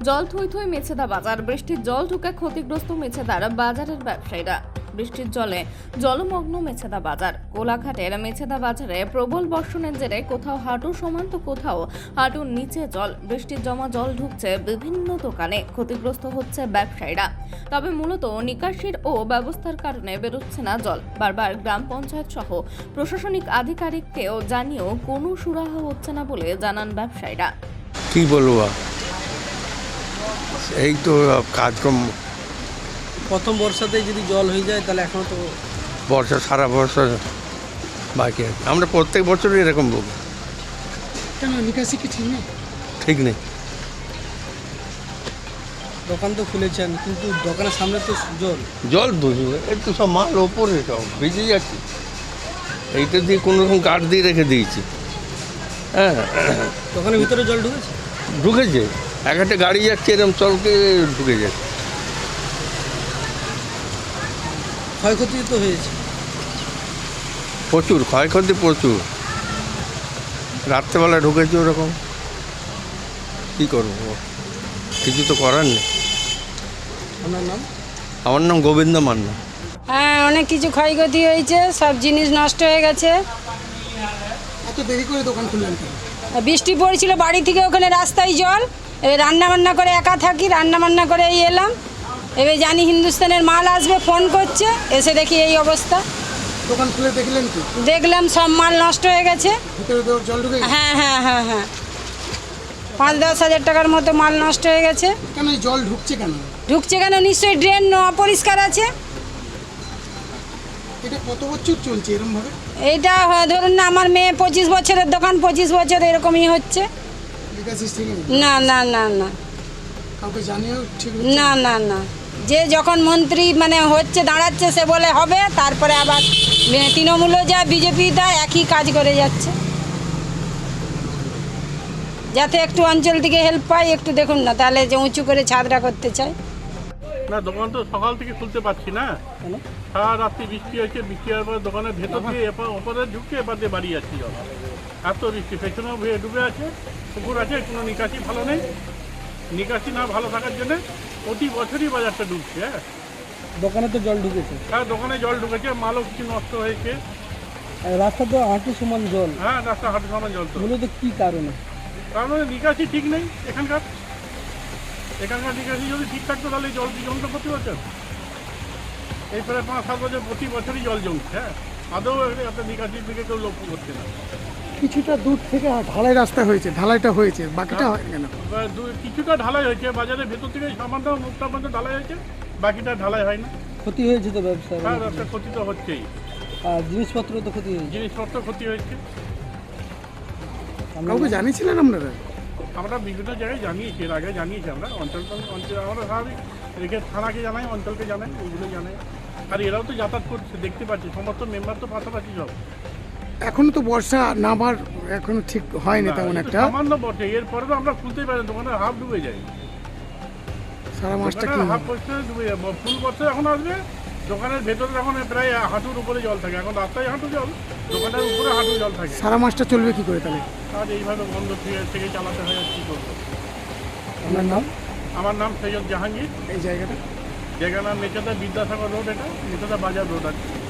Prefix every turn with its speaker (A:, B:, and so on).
A: জল থই থই মেছেদা বাজার। বৃষ্টির জল ঢুকে ক্ষতিগ্রস্ত মেছেদার বাজারের ব্যবসায়ীরা। বৃষ্টির জলে জলমগ্ন মেছেদা বাজার। কোলাঘাটের মেছেদা বাজারে প্রবল বর্ষণের জেরে কোথাও হাঁটু সমান তো কোথাও হাঁটুর নিচে জল। বৃষ্টির জমা জল ঢুকছে বিভিন্ন দোকানে, ক্ষতিগ্রস্ত হচ্ছে ব্যবসায়ীরা। তবে মূলত নিকাশির ও ব্যবস্থার কারণে বেরোচ্ছে না জল। বারবার গ্রাম পঞ্চায়েত সহ প্রশাসনিক আধিকারিককেও জানিয়েও কোনো সুরাহা হচ্ছে না বলে জানান ব্যবসায়ীরা।
B: কি বলবো, এই তো কাজকর্ম।
C: প্রথম বর্ষাতেই যদি জল হয়ে যায় তাহলে এখনো তো
B: বর্ষা সারা বর্ষা বাকি আছে। আমরা প্রত্যেক বছরই এরকম বলবো।
C: কেন নিকাশি কি ঠিক নেই?
B: ঠিক নেই।
C: দোকান তো খুলেছেন কিন্তু দোকানের সামনে তো জল
B: জল বুঝবে, একটু সব মাল ওপরে সব ভিজে যাচ্ছে। এইটা দিয়ে কোনো রকম কাঠ দিয়ে রেখে দিয়েছি। হ্যাঁ,
C: দোকানের ভিতরে জল ঢুকেছে।
B: ঢুকেছে। এক একটা গাড়ি যাচ্ছে এরকম চলকে ঢুকে যাচ্ছে।
C: ক্ষয়ক্ষতি তো হয়েছে।
B: প্রচুর ক্ষয়ক্ষতি, প্রচুর। রাত্রেবেলা ঢুকেছে ওরকম। কী করবো, কিছু তো করার নেই।
C: আপনার নাম?
B: আমার নাম গোবিন্দ মান্না।
D: হ্যাঁ, অনেক কিছু ক্ষয়ক্ষতি হয়েছে, সব জিনিস নষ্ট হয়ে গেছে।
C: এত দেরি করে দোকান খুললেন কেন?
D: বৃষ্টি পড়েছিল, বাড়ি থেকে ওখানে রাস্তায় জল। এবার রান্নাবান্না করে একা থাকি, রান্নাবান্না করে এই এলাম। এবার জানি হিন্দুস্তানের মাল আসবে, ফোন করছে, এসে দেখি এই অবস্থা।
C: দোকান খুলে দেখলেন কি?
D: দেখলাম সব মাল নষ্ট হয়ে গেছে।
C: ভিতরে তো জল ঢুকে গেছে।
D: হ্যাঁ হ্যাঁ হ্যাঁ হ্যাঁ, 5-10 হাজার টাকার মতো মাল নষ্ট হয়ে গেছে।
C: কেন এই জল ঢুকছে কেন?
D: ঢুকছে কেন? নিশ্চয়ই ড্রেন অপরিষ্কার আছে।
C: এটা কত বছর চলছে এরকম ভাবে?
D: এইটা ধরুন না, আমার মেয়ে 25 বছরের দোকান, 25 বছর এরকমই হচ্ছে।
C: নিকাশি ঠিক নেই?
D: না না না না
C: কাউকে জানিয়েও ঠিক
D: না না না, যে যখন মন্ত্রী হচ্ছে দাঁড়াচ্ছে সে বলে হবে, তারপরে আবার তৃণমূলও যা বিজেপি তা একই কাজ করে যাচ্ছে। যাতে একটু অঞ্চল থেকে হেল্প পাই, একটু দেখুন না, তাহলে যে উঁচু করে ছাদরা করতে চায়।
E: না, দোকান তো সকাল থেকে খুলতে পারছি না। সারা রাত্রি বৃষ্টি হয়েছে। বৃষ্টি হওয়ার পর দোকানের ভেতর দিয়ে ওপরে ঢুকে এবার দিয়ে বাড়ি যাচ্ছি জল। এত বৃষ্টি, পেছনেও ডুবে আছে, পুকুর আছে, কোনো নিকাশি ভালো নেই। নিকাশি না ভালো থাকার জন্য প্রতি বছরই বাজারটা ডুবছে। হ্যাঁ,
C: দোকানে তো জল ঢুকেছে।
E: হ্যাঁ, দোকানে জল ঢুকেছে, মালও কিছু নষ্ট হয়েছে।
C: রাস্তা তো হাঁটু সমান জল।
E: হ্যাঁ, রাস্তা হাঁটু সমান জল। তো
C: মূলত কি কারণে?
E: কারণ নিকাশি ঠিক নেই এখানকার নিকাশি যদি ঠিক থাকতো তাহলে এই জল কি জমতো প্রতি বছর? এই প্রায় 5-7 বছর প্রতি বছরই জল জমছে। হ্যাঁ, আদৌ একটা নিকাশির দিকে কেউ লক্ষ্য করছে না।
C: কিছুটা দূর থেকে ঢালাই রাস্তা হয়েছে, ঢালাইটা হয়েছে, বাকিটা হয় কেন?
E: কিছুটা ঢালাই হয়েছে, বাজারের ভেতর থেকে সামান্য মুখটা পর্যন্ত ঢালাই হয়েছে, বাকিটা ঢালাই হয় না।
C: ক্ষতি হয়েছে তো ব্যবসার।
E: হ্যাঁ, রাস্তার ক্ষতি তো হচ্ছেই।
C: আর জিনিসপত্র তো ক্ষতি হয়েছে।
E: জিনিসপত্র ক্ষতি হয়েছে।
C: কাউকে জানিয়েছিলেন আপনারা?
E: আমরা বিভিন্ন জায়গায় জানিয়েছি, এর আগে জানিয়েছি। আমরা অঞ্চল আমরা স্বাভাবিক রেখে থানাকে জানাই, অঞ্চলকে জানাই, এইগুলো জানাই। আর এরাও তো যাতায়াত করছে, দেখতে পাচ্ছি, সমস্ত মেম্বার তো পাশাপাশি সব।
C: এখনো তো বর্ষা নামার এখনো ঠিক হয়নি তেমন একটা।
E: সামান্য বটে, এরপরে তো আমরা খুলতেই পারি, দোকানের হাফ ডুবে যায়।
C: সারা মাসটা কি
E: হাফ পরিষ্কার ডুবে যায়। ফুল বর্ষা এখন আসবে, দোকানের ভেতরে এখন প্রায় হাঁটুর উপরে জল থাকে। এখন রাস্তায় হাঁটু জল, দোকানের উপরে হাঁটু জল থাকে।
C: সারা মাসটা চলবে কি করে তাহলে?
E: আর এইভাবে বন্ধ থেকে চালাতে হয়, আর কী করবো।
C: আপনার নাম?
E: আমার নাম সৈয়দ জাহাঙ্গীর।
C: এই জায়গাটা?
E: জায়গার নাম মেচেদা বিদ্যাসাগর রোড। এটা মেচেদা বাজার রোড আছে।